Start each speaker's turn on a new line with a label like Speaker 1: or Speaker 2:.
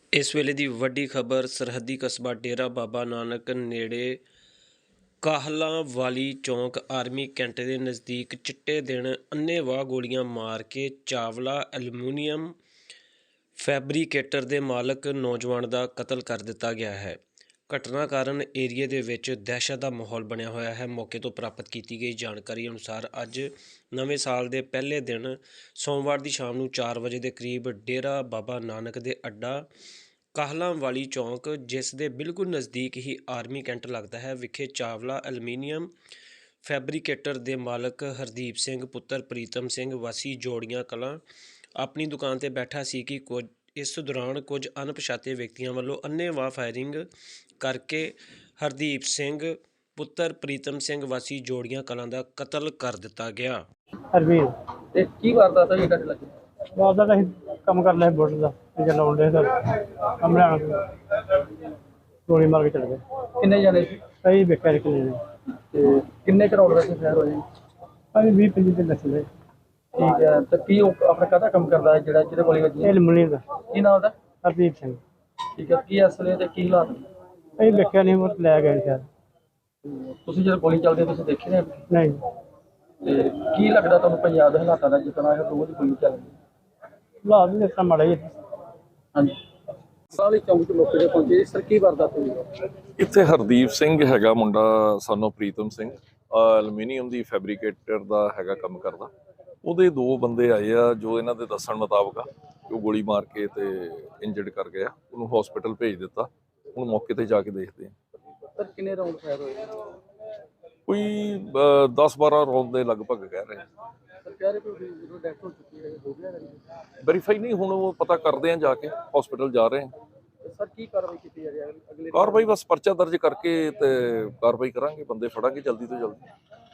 Speaker 1: ਇਸ ਵੇਲੇ ਦੀ ਵੱਡੀ ਖਬਰ ਸਰਹੱਦੀ ਕਸਬਾ ਡੇਰਾ ਬਾਬਾ ਨਾਨਕ ਨੇੜੇ ਕਾਹਲਾਂ ਵਾਲੀ ਚੌਂਕ ਆਰਮੀ ਕੈਂਟ ਦੇ ਨਜ਼ਦੀਕ ਚਿੱਟੇ ਦਿਨ ਅੰਨ੍ਹੇਵਾਹ ਗੋਲੀਆਂ ਮਾਰ ਕੇ ਚਾਵਲਾ ਐਲੂਮੀਨੀਅਮ ਫੈਬਰੀਕੇਟਰ ਦੇ ਮਾਲਕ ਨੌਜਵਾਨ ਦਾ ਕਤਲ ਕਰ ਦਿੱਤਾ ਗਿਆ ਹੈ। ਘਟਨਾ ਕਾਰਨ ਏਰੀਏ ਦੇ ਵਿੱਚ ਦਹਿਸ਼ਤ ਦਾ ਮਾਹੌਲ ਬਣਿਆ ਹੋਇਆ ਹੈ। ਮੌਕੇ ਤੋਂ ਪ੍ਰਾਪਤ ਕੀਤੀ ਗਈ ਜਾਣਕਾਰੀ ਅਨੁਸਾਰ ਅੱਜ ਨਵੇਂ ਸਾਲ ਦੇ ਪਹਿਲੇ ਦਿਨ ਸੋਮਵਾਰ ਦੀ ਸ਼ਾਮ ਨੂੰ 4 ਵਜੇ ਦੇ ਕਰੀਬ ਡੇਰਾ ਬਾਬਾ ਨਾਨਕ ਦੇ ਅੱਡਾ ਕਾਹਲਾਂ ਵਾਲੀ ਚੌਂਕ, ਜਿਸ ਦੇ ਬਿਲਕੁਲ ਨਜ਼ਦੀਕ ਹੀ ਆਰਮੀ ਕੈਂਟ ਲੱਗਦਾ ਹੈ, ਵਿਖੇ ਚਾਵਲਾ ਐਲੂਮੀਨੀਅਮ ਫੈਬਰੀਕੇਟਰ ਦੇ ਮਾਲਕ ਹਰਦੀਪ ਸਿੰਘ ਪੁੱਤਰ ਪ੍ਰੀਤਮ ਸਿੰਘ ਵਾਸੀ ਜੋੜੀਆਂ ਕਲਾਂ ਆਪਣੀ ਦੁਕਾਨ ਤੇ ਬੈਠਾ ਸੀ ਕਿ ਇਸ ਦੌਰਾਨ ਕੁਝ ਅਣਪਛਾਤੇ ਵਿਅਕਤੀਆਂ ਵੱਲੋਂ ਅੰਨ੍ਹੇਵਾਹ ਫਾਇਰਿੰਗ ਕਰਕੇ ਹਰਦੀਪ ਸਿੰਘ ਪੁੱਤਰ ਪ੍ਰੀਤਮ ਸਿੰਘ ਵਾਸੀ ਜੋੜੀਆਂ ਕਲਾਂ ਦਾ ਕਤਲ ਕਰ ਦਿੱਤਾ ਗਿਆ।
Speaker 2: ਹਰਵੀਰ
Speaker 3: ਤੇ ਕੀ ਵਾਰਦਾਤ ਹੋਈ ਤੁਹਾਡੇ ਲੱਗੇ?
Speaker 2: ਬਾਅਦ ਅਸੀਂ ਕੰਮ ਕਰ ਲਿਆ ਬੋਟ ਦਾ ਤੇ ਲਾਉਂਦੇ ਸਰ ਕਮਰੇ ਆਣ ਗੋਲੀ ਮਾਰ ਕੇ ਚਲੇ ਗਏ।
Speaker 3: ਕਿੰਨੇ ਜਣੇ ਸੀ
Speaker 2: ਅਸੀਂ ਵੇਖਿਆ ਕਿੰਨੇ ਨੇ
Speaker 3: ਤੇ ਕਿੰਨੇ ਕਰੋੜ ਦਾ ਸ਼ਹਿਰ ਹੋਏ?
Speaker 2: ਅਸੀਂ 20-25 ਦਿਨ ਲੱਗੇ।
Speaker 3: ਠੀਕ ਹੈ। ਤੇ ਕੀ ਉਹ ਆਪਣਾ ਕਾਹਦਾ ਕੰਮ ਕਰਦਾ ਹੈ ਜਿਹਦੇ ਗੋਲੀ ਵੱਜੀ?
Speaker 2: ਇਹ ਲਮਣੀ ਦਾ
Speaker 3: ਕੀ ਨਾਮ ਉਹਦਾ?
Speaker 2: ਹਰਦੀਪ ਸਿੰਘ।
Speaker 3: ਠੀਕ ਹੈ। ਕੀ ਅਸਲੇ ਤੇ ਕੀ ਹਾਲਾਤ ਨੇ?
Speaker 2: ਅਸੀਂ ਵੇਖਿਆ ਨਹੀਂ, ਉਹ ਲੈ ਗਏ ਸ਼ਾਇਦ।
Speaker 3: ਤੁਸੀਂ ਜਦੋਂ ਗੋਲੀ ਚੱਲਦੀ ਤੁਸੀਂ ਦੇਖੇ ਨੇ?
Speaker 2: ਨਹੀਂ।
Speaker 3: ਤੇ ਕੀ ਲੱਗਦਾ ਤੁਹਾਨੂੰ ਪੰਜਾਬ ਦੇ ਹਾਲਾਤਾਂ ਦਾ ਜਿਤਨਾ ਇਹ ਰੋਜ਼ ਗੋਲੀ ਚੱਲਦੀ?
Speaker 2: ਹਾਲਾਤ ਵੀ ਇਸ ਤਰ੍ਹਾਂ ਮਾੜੇ ਹੀ।
Speaker 3: ਹਾਂਜੀ। ਸਾਲੀ ਚੌਂਕ ਤੋਂ ਲੋਕ ਜਿਹੜੇ ਪਹੁੰਚੇ, ਸਰ ਕੀ ਵਾਰਦਾਤ ਹੋਈ?
Speaker 4: ਇੱਥੇ ਹਰਦੀਪ ਸਿੰਘ ਹੈਗਾ ਮੁੰਡਾ, ਸਾਨੂੰ ਪ੍ਰੀਤਮ ਸਿੰਘ, ਐਲੂਮੀਨੀਅਮ ਦੀ ਫੈਬਰੀਕੇਟਰ ਦਾ ਹੈਗਾ ਕੰਮ ਕਰਦਾ। ਉਹਦੇ ਦੋ ਬੰਦੇ ਆਏ ਆ ਜੋ ਇਹਨਾਂ ਦੇ ਦੱਸਣ ਮੁਤਾਬਕ ਆ ਕਿ ਉਹ ਗੋਲੀ ਮਾਰ ਕੇ ਤੇ ਇੰਜਰਡ ਕਰ ਗਿਆ। ਉਹਨੂੰ ਹਸਪੀਟਲ ਭੇਜ ਦਿੱਤਾ। ਹੁਣ ਮੌਕੇ ਤੇ ਜਾ ਕੇ ਦੇਖਦੇ ਆ।
Speaker 3: ਸਰ ਕਿੰਨੇ ਰਾਉਂਡ ਫਾਇਰ ਹੋਏ?
Speaker 4: ਕੋਈ 10-12 ਰੌਂਦ ਦੇ ਲਗਭਗ ਕਹਿ ਰਹੇ ਆ।
Speaker 3: ਸਰ ਕਹਿ ਰਹੇ ਕਿ ਜਦੋਂ ਡੈਥ ਹੋ ਚੁੱਕੀ ਹੈ ਹੋ ਗਿਆ?
Speaker 4: ਵੈਰੀਫਾਈ ਨਹੀਂ, ਹੁਣ ਉਹ ਪਤਾ ਕਰਦੇ ਆ, ਜਾ ਕੇ ਹਸਪੀਟਲ ਜਾ ਰਹੇ ਆ।
Speaker 3: ਸਰ ਕੀ ਕਾਰਵਾਈ ਕੀਤੀ ਜਾ ਰਹੀ ਹੈ ਅਗਲੇ?
Speaker 4: ਕਾਰਵਾਈ ਬਸ ਪਰਚਾ ਦਰਜ ਕਰਕੇ ਤੇ ਕਾਰਵਾਈ ਕਰਾਂਗੇ, ਬੰਦੇ ਫੜਾਂਗੇ ਜਲਦੀ ਤੋਂ ਜਲਦੀ।